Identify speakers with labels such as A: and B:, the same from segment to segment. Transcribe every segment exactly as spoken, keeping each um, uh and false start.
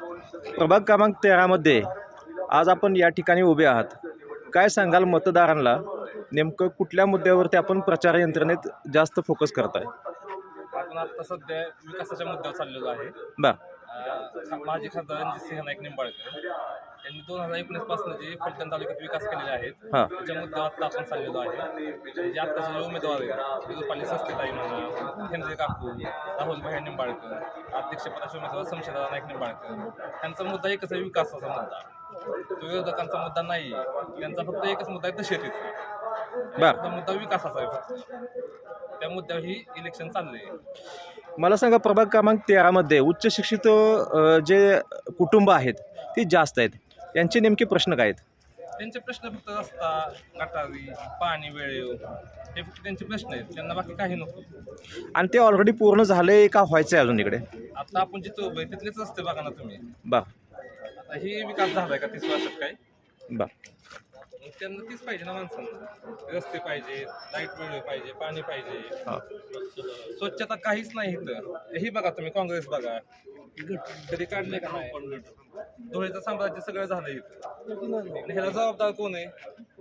A: प्रभाग क्रमांक तेरामध्ये आज आपण या ठिकाणी उभे आहात. काय सांगाल मतदारांना, नेमकं कुठल्या मुद्द्यावरती आपण प्रचार यंत्रणेत जास्त फोकस करताय?
B: आपण आता सध्या विकासाच्या मुद्द्यावर चाललेलो आहे.
A: बा
B: अं, माजी खासदार रणजितसिंह नाईक निंबाळकर यांनी दोन हजार एकोणीस पासून जे फलटण तालुक्यात विकास केलेले आहेत
A: हां.
B: त्याच्या मुद्द्यावर आता आपण चाललेलो आहे. जे आत्ताचे जे उमेदवार आहेत रुपाली सस्तेताई म्हणा, हेनरी काकू, राहुल भाई निंबाळकर, अध्यक्षपदाचे उमेदवार शमशेरदादा नाईक निंबाळकर, त्यांचा मुद्दा एकच आहे, विकासाचा मुद्दा. तो विरोधकांचा मुद्दा नाही, त्यांचा फक्त एकच मुद्दा आहे, दहशतीचा.
A: बर
B: मुद्दा विकासाचा आहे फक्त. त्या मुद्द्यावर ही इलेक्शन चाललंय.
A: मला सांगा, प्रभाग क्रमांक तेरामध्ये उच्च शिक्षित अ, जे कुटुंब आहेत ती जास्त आहेत, यांचे नेमके प्रश्न काय आहेत?
B: त्यांचे प्रश्न फक्त रस्ता, गटारी, पाणी वेळेव, हे फक्त त्यांचे प्रश्न आहेत. त्यांना बाकी काही नको.
A: आणि ते ऑलरेडी पूर्ण झाले का व्हायचं आहे अजून इकडे?
B: आता आपण जिथं उभे तिथलेच रस्ते बघा ना तुम्ही.
A: बा
B: आता ही विकास झालाय का तीस वर्षात काय?
A: बा
B: मग त्यांना तीच पाहिजे ना माणसांना. रस्ते पाहिजे, लाईट वेळेव पाहिजे, पाणी पाहिजे.
A: हां.
B: स्वच्छता काहीच नाही इथं. ही बघा तुम्ही, काँग्रेस बघा, कधी काढले का नाही? धुळेचं साम्राज्य सगळं झालं इथं. आणि ह्याला जबाबदार कोण आहे?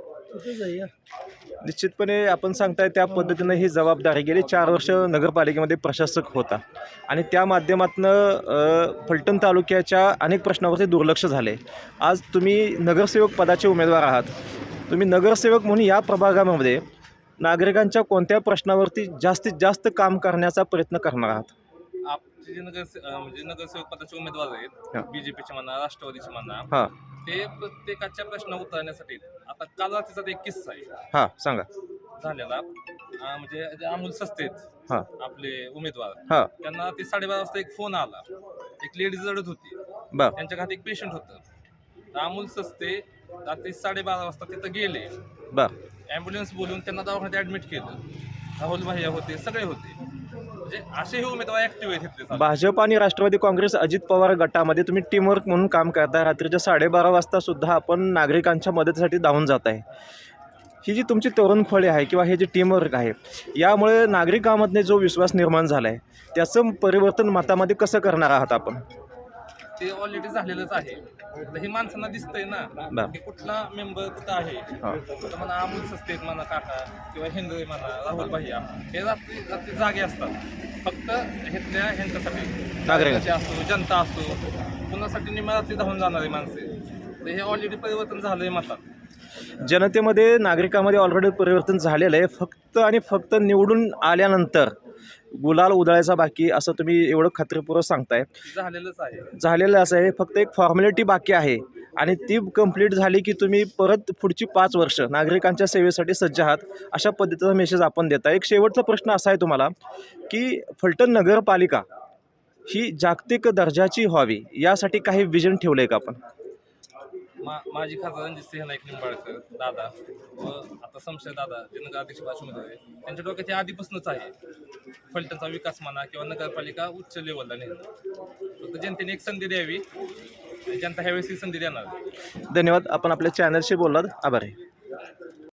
A: निश्चितपणे आपण सांगताय त्या पद्धतीनं ही जबाबदारी गेली चार वर्ष नगरपालिकेमध्ये प्रशासक होता आणि त्या माध्यमातून फलटण तालुक्याच्या अनेक प्रश्नावरती दुर्लक्ष झाले. आज तुम्ही नगरसेवक पदाचे उमेदवार आहात. तुम्ही नगरसेवक म्हणून या प्रभागामध्ये नागरिकांच्या कोणत्या प्रश्नावरती जास्तीत जास्त काम करण्याचा प्रयत्न करणार आहात?
B: आपले जे नगर म्हणजे नगरसेवक पदाचे उमेदवार आहेत, बीजेपीचे म्हणा, राष्ट्रवादीचे म्हणा,
A: हां
B: ते प्रत्येकाच्या प्रश्न उतरण्यासाठी. आता काल रात्रीचा एक किस्सा आहे
A: हां सांगा.
B: झालेला. अं, म्हणजे जे अमोल सस्ते आहेत
A: हां
B: आपले उमेदवार,
A: हां
B: त्यांना ते साडेबारा वाजता एक फोन आला. एक लेडीज रडत होती,
A: बर
B: त्यांच्या घरात एक पेशंट होतं. तर अमोल सस्ते रात्री साडेबारा वाजता तिथं गेले.
A: बर
B: ॲम्ब्युलन्स बोलून त्यांना दवाखान्यात ॲडमिट केलं. राहुल भाई होते, सगळे होते. म्हणजे असे हे उमेदवार ऍक्टिव्ह आहेत इथले.
A: भाजप आणि राष्ट्रवादी काँग्रेस अजित पवार गटामध्ये तुम्ही टीमवर्क म्हणून काम करता. रात्रीच्या साडेबारा वाजता सुद्धा आपण नागरिकांच्या मदतीसाठी धावून जात आहे. ही जी तुमची तरुणफळे आहे किंवा हे जे टीमवर्क आहे, यामुळे नागरिकांमध्ये जो विश्वास निर्माण झाला आहे त्याचं परिवर्तन मतामध्ये कसं करणार आहात आपण?
B: ते ऑलरेडी झालेलंच आहे. तर हे माणसांना दिसतंय ना की कुठला मेंबर कुठं आहे. तर म्हणा अमोल सस्ते म्हणा, काका किंवा हिंदू म्हणा, राहुल भैया, हे रात्री रात्री जागे असतात. फक्त घेतल्या ह्यांच्यासाठी, नागरिकांची असो, जनता असो, कुणासाठी निम्या रात्री धावून जाणारी माणसे. तर हे ऑलरेडी परिवर्तन झालंय मतात.
A: जनतेमध्ये, नागरिकांमध्ये ऑलरेडी परिवर्तन झालेलं आहे. फक्त आणि फक्त निवडून आल्यानंतर गुलाल उधळायचा बाकी, असं तुम्ही एवढं खात्रीपूर्वक सांगताय.
B: झालेलंच आहे.
A: झालेलं असं आहे, फक्त एक फॉर्मॅलिटी बाकी आहे आणि ती कंप्लीट झाली की तुम्ही परत पुढची पाच वर्ष नागरिकांच्या सेवेसाठी सज्ज आहात, अशा पद्धतीचा मेसेज आपण देता. एक शेवटचा प्रश्न असा आहे तुम्हाला की फलटण नगरपालिका ही जागतिक दर्जाची व्हावी, यासाठी काही विजन ठेवलं आहे का आपण?
B: मा माजी खासदार रणजितसिंह नाईक निंबाळकर दादा व आता शमशेर दादा जे नगराध्यक्ष पदाचे उमेदवार आहे, त्यांच्या डोक्यात हे आधीपासूनच आहे. फलटणचा विकास म्हणा किंवा नगरपालिका उच्च लेवलला नेणं. फक्त जनतेने एक संधी द्यावी, जनता ह्यावेळेस ही संधी देणार.
A: धन्यवाद. आपण आपल्या चॅनलशी बोललात, आभार आहे.